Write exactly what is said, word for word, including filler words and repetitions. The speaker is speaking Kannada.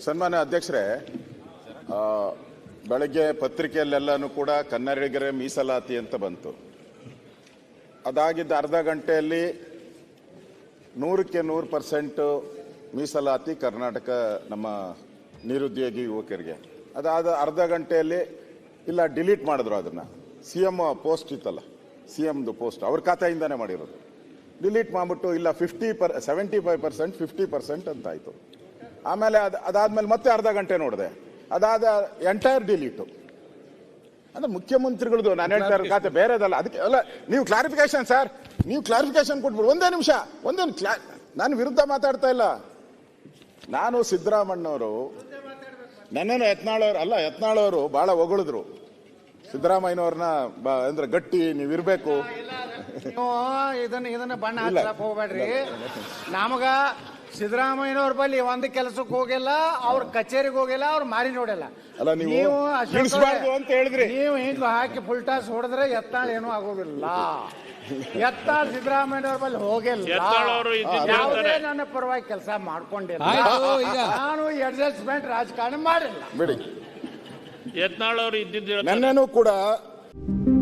ಸನ್ಮಾನ್ಯ ಅಧ್ಯಕ್ಷರೇ, ಬೆಳಗ್ಗೆ ಪತ್ರಿಕೆಯಲ್ಲೆಲ್ಲನೂ ಕೂಡ ಕನ್ನಡಿಗರೇ ಮೀಸಲಾತಿ ಅಂತ ಬಂತು. ಅದಾಗಿದ್ದ ಅರ್ಧ ಗಂಟೆಯಲ್ಲಿ ನೂರಕ್ಕೆ ನೂರು ಪರ್ಸೆಂಟ್ ಮೀಸಲಾತಿ ಕರ್ನಾಟಕ ನಮ್ಮ ನಿರುದ್ಯೋಗಿ ಯುವಕರಿಗೆ. ಅದಾದ ಅರ್ಧ ಗಂಟೆಯಲ್ಲಿ ಇಲ್ಲ ಡಿಲೀಟ್ ಮಾಡಿದ್ರು. ಅದನ್ನು ಸಿ ಎಮ್ ಪೋಸ್ಟ್ ಇತ್ತಲ್ಲ, ಸಿ ಎಮ್ದು ಪೋಸ್ಟ್ ಅವ್ರ ಖಾತೆಯಿಂದನೇ ಮಾಡಿರೋದು. ಡಿಲೀಟ್ ಮಾಡಿಬಿಟ್ಟು ಇಲ್ಲ fifty per seventy five percent fifty percent ಅಂತ ಆಯಿತು. ಆಮೇಲೆ ಅದು ಅದಾದಮೇಲೆ ಮತ್ತೆ ಅರ್ಧ ಗಂಟೆ ನೋಡಿದೆ, ಅದಾದ ಎಂಟೈರ್ ಡಿಲೀಟು. ಅಂದ್ರೆ ಮುಖ್ಯಮಂತ್ರಿಗಳದು ನಾನು ಹೇಳ್ತಾ ಇರೋ ಖಾತೆ ಬೇರೆದಲ್ಲ. ಅದಕ್ಕೆ ಅಲ್ಲ, ನೀವು ಕ್ಲಾರಿಫಿಕೇಶನ್ ಸರ್, ನೀವು ಕ್ಲಾರಿಫಿಕೇಶನ್ ಕೊಟ್ಬಿಡು. ಒಂದೇ ನಿಮಿಷ, ಒಂದೇ ಕ್ಲಾ ನಾನು ವಿರುದ್ಧ ಮಾತಾಡ್ತಾ ಇಲ್ಲ. ನಾನು ಸಿದ್ದರಾಮಣ್ಣವರು ನನ್ನನ್ನು ಯತ್ನಾಳವ್ರು ಅಲ್ಲ ಯತ್ನಾಳವರು ಬಹಳ ಹೊಗಳಿದ್ರು ಸಿದ್ದರಾಮಯ್ಯನವ್ರನ್ನ. ಅಂದ್ರೆ ಗಟ್ಟಿ ನೀವಿರ್ಬೇಕು. ಇದನ್ನ ಇದನ್ನ ಬಣ್ಣ ಹಚ್ಚಕ್ ಹೋಗ್ಬೇಡ್ರಿ. ನಮಗ ಸಿದ್ದರಾಮಯ್ಯನವ್ರ ಬಳಿ ಒಂದ್ ಕೆಲಸಕ್ಕೆ ಹೋಗಿಲ್ಲ, ಅವ್ರ ಕಚೇರಿಗೆ ಹೋಗಿಲ್ಲ, ಅವ್ರ ಮಾರಿ ನೋಡಿಲ್ಲ. ಅಲ್ಲ ನೀವು ಅಂತ ಹೇಳಿದ್ರಿ. ನೀವು ಹಿಂಗ ಹಾಕಿ ಫುಲ್ ಟಾಸ್ ಹೊಡೆದ್ರೆ ಎತ್ತಾಳ ಏನೂ ಆಗೋದಿಲ್ಲ. ಎತ್ತಾಳ ಸಿದ್ದರಾಮಯ್ಯನವ್ರ ಬಳಿ ಹೋಗಿಲ್ಲ, ಯಾವುದೇ ನನ್ನ ಪರವಾಗಿ ಕೆಲಸ ಮಾಡ್ಕೊಂಡಿಲ್ಲ. ನಾನು ಅಡ್ಜಸ್ಟ್ಮೆಂಟ್ ರಾಜಕಾರಣ ಮಾಡಿಲ್ಲ. ಬಿಡಿ, ಯತ್ನಾಳ್ ಅವರು ಇದ್ದಿದ್ದು ನನ್ನೇನು ಕೂಡ